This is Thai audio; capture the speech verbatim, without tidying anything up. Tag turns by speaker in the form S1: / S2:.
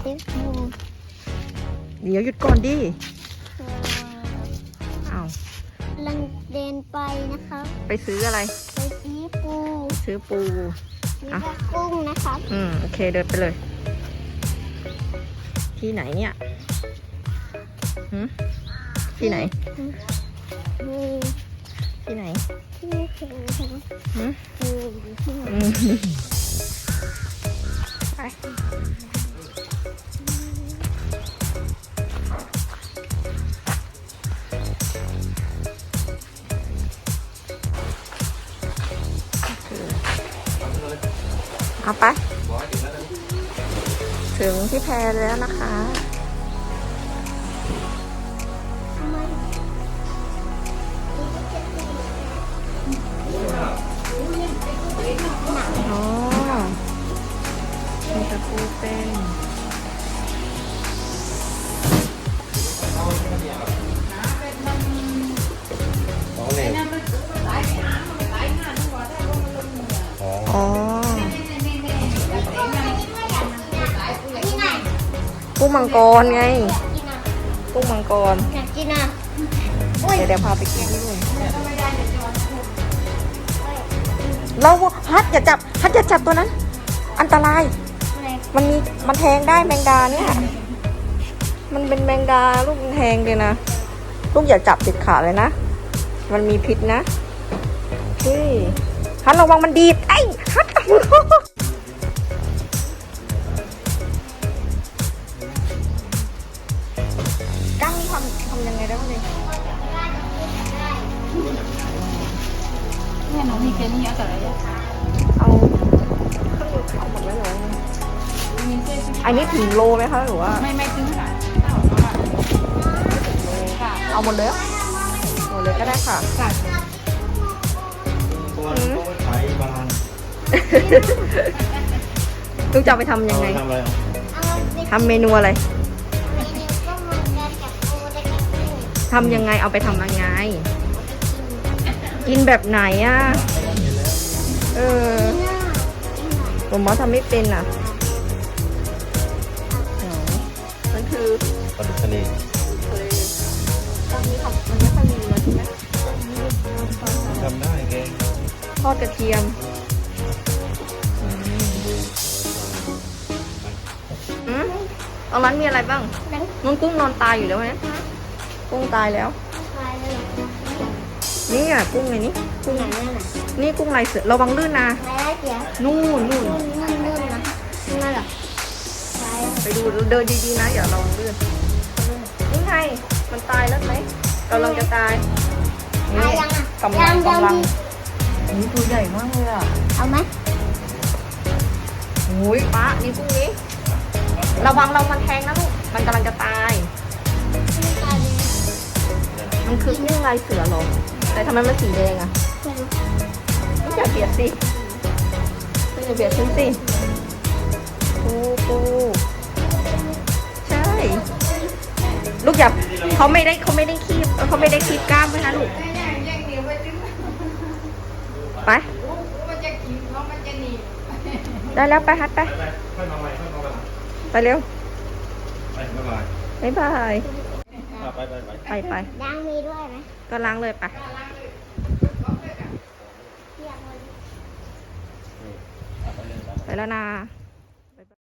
S1: เดี๋ยวหยุดก่อนดิอ้าว
S2: ลังเดินไปนะคะ
S1: ไปซื้ออะไร
S2: ไปซื้อปู
S1: ซื้อปู
S2: ซื้อกุ้งนะคะ
S1: อืมโอเคเดินไปเลยที่ไหนเนี่ยหืมที่ไหนที่ไหนที่หืมไปเอาไปถึงที่แพแล้วนะคะอ๋อมีตะปูเป็นอ๋อกุ้งมังกรไงกุ้งมังกร
S2: อยากกินอ่ะ
S1: เดี๋ยวเดี๋ยวพาไปกินที่นู่นเราฮัทอย่าจับฮัทอย่าจับตัวนั้นอันตรายมันมีมันแทงได้แมงดาเนี่ยมันเป็นแมงดาลูกมันแทงเลยนะลูกอย่าจับติดขาเลยนะมันมีพิษนะเฮ้ยฮัทระวังมันดีดไอ้ฮัทกั้งทำทำยังไงได้บ้างเนี่ย
S3: เนี่ยน้องมีเจนี่เยอะแต่ละอย่าง
S1: เอาเอาหมดไว้เลยอันนี้ถึงโลไหมคะหรือว่า
S3: ไม่ไม่ถึงค่ะ
S1: เอาหมดเลยหมดเลยก็ได้ค่ะ
S3: ค่ะ
S1: ลูกจะไปทำยังไงทำเมนูอะไรทำยังไงเอาไปทำยังไงกินแบบไหนอ่ะเออผมว่าทำไม่เป็นอ่ะมันคือ
S4: ปลาดุกทะเล
S1: ทะเลตอนนี้ทำมันไม่ค่อยมีแล้วใช่ไหม
S4: ทำได้แก
S1: ทอดกระเทียมอืมตอนนั้นมีอะไรบ้างมันกุ้งนอนตายอยู่แล้วไหมกุ้งตายแล้วนี่อ่ะกุ้งไงนี่
S2: กุ้งไหนนั่นน่ะ
S1: นี่กุ้งลายเสือระวังลื่นนะนู่นนู่น
S2: นู่นนู่นนะนั่นเหรอ
S1: ไปดูเดินดีๆนะอย่าระวังลื่นนี่ไงมันตายแล้วไหมกำลังจะตายนี่กำลังกำลังนี่ตัวใหญ่มากเลยอ่ะ
S2: เอาไหม
S1: โอ้ยป้านี่กุ้งนี้ระวังเรามันแทงนะลูกมันกำลังจะตายมันคือกุ้งลายเสือหรอแต่ทำไมมันสีแดงอ่ะไม่อย่าเบียดสิไม่อย่าเบียดฉันสิปูปูใช่ลูกอย่าเขาไม่ได้เขาไม่ได้คีบเขาไม่ได้คีบกล้ามไว้นะลูกไปได้แล้วไปฮัทไปไปเร็วไปบาย
S4: ไปไปไป
S1: ไปไป
S2: ล้างมือด้วยไหม
S1: ก็ล้างเลยไปไปแล้วนะ